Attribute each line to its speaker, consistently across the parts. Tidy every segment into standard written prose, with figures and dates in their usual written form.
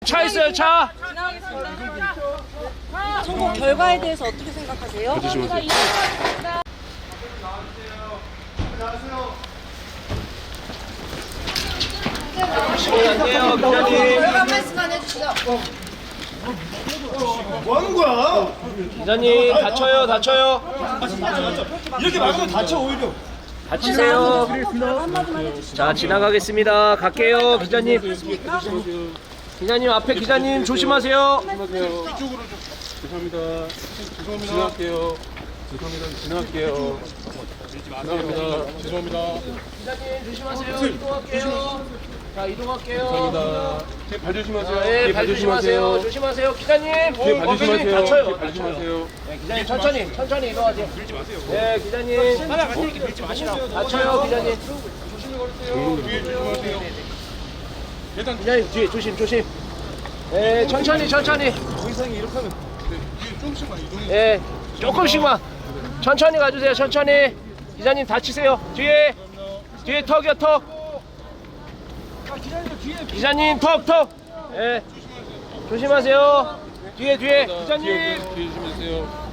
Speaker 1: 차 있어요, 차.
Speaker 2: 선거 결과에 대해서 어떻게 생각하세요?
Speaker 1: 안돼요, 기자님.
Speaker 2: 결과 말씀만 해주시죠.
Speaker 3: 뭐 하는 거야?
Speaker 1: 기자님 다쳐요, 다쳐요.
Speaker 3: 이렇게 막으면 다쳐 오히려.
Speaker 1: 다치세요.
Speaker 2: 한마디만 해주시죠.
Speaker 1: 자, 지나가겠습니다. 갈게요, 기자님. 기자님 앞에 기자님 조심하세요.
Speaker 4: 이쪽으로 좀. 죄송합니다. 지나갈게요. 죄송합니다. 지나갈게요. 지나갑니다. 죄송합니다.
Speaker 1: 기자님 조심하세요. 이동할게요. 자, 이동할게요.
Speaker 4: 감사합니다. 뒤에 발 조심하세요.
Speaker 1: 네,
Speaker 4: 뒤에
Speaker 1: 발 조심하세요. 조심하세요, 기자님.
Speaker 4: 뒤에 발 조심하세요.
Speaker 1: 다쳐요.
Speaker 4: 뒤에 발 조심하세요.
Speaker 1: 네, 기자님 천천히 이동하세요. 네, 기자님. 다쳐요, 기자님.
Speaker 4: 뒤에 조심하세요.
Speaker 1: 기자님 뒤에 조심. 네, 천천히.
Speaker 4: 의상이 이렇게 하면 뒤에 조금씩만 이동해.
Speaker 1: 네, 조금씩만. 천천히 가주세요, 천천히. 기자님 다치세요. 뒤에 턱이요, 턱. 기자님 턱. 네, 조심하세요. 뒤에 기자님.
Speaker 4: 뒤에 조심하세요.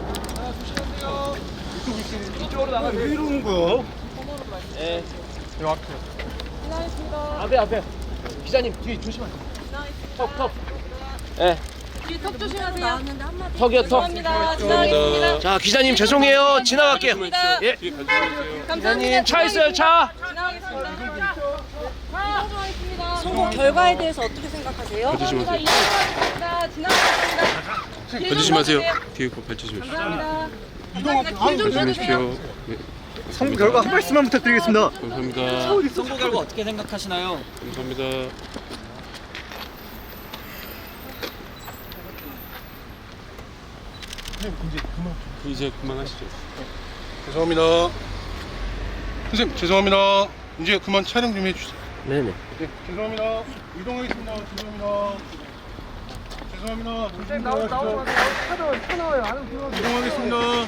Speaker 1: 이쪽으로 나가세요.
Speaker 3: 왜 이러는 거야?
Speaker 1: 네,
Speaker 4: 요 앞에.
Speaker 1: 앞에. 기자님 뒤에 조심하세요. 턱. 네,
Speaker 2: 턱 조심하세요. 나왔는데 한마디.
Speaker 1: 턱이요, 턱.
Speaker 2: 감사합니다. 지나가겠습니다.
Speaker 1: 자, 기자님 죄송해요. 지나갈게요. 예,
Speaker 4: 뒤에 발 조심하세요.
Speaker 1: 기자님 차 있어요, 차.
Speaker 2: 지나가겠습니다. 선거 결과에 대해서 어떻게 생각하세요?
Speaker 4: 발 조심하세요. 발 조심하세요. 뒤에 발 조심하세요. 발 조심하십시오. 네,
Speaker 3: 선거 결과 한 말씀만 부탁드리겠습니다.
Speaker 4: 감사합니다.
Speaker 5: 선거 결과 어떻게 생각하시나요?
Speaker 4: 감사합니다. 이제 그만하시죠. 죄송합니다. 선생님 죄송합니다. 이제 그만 촬영 좀 해주세요.
Speaker 1: 네네.
Speaker 4: 네, 죄송합니다. 이동하겠습니다. 죄송합니다. 선생님 나오세요. 차 나와요. 이동하겠습니다.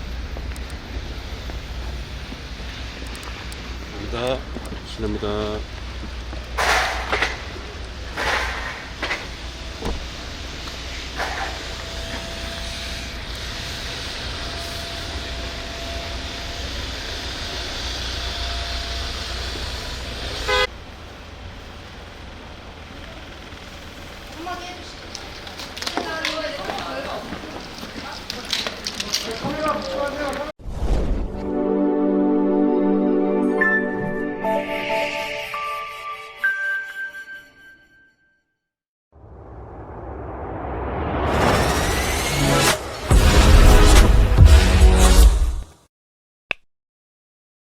Speaker 4: 감사합니다.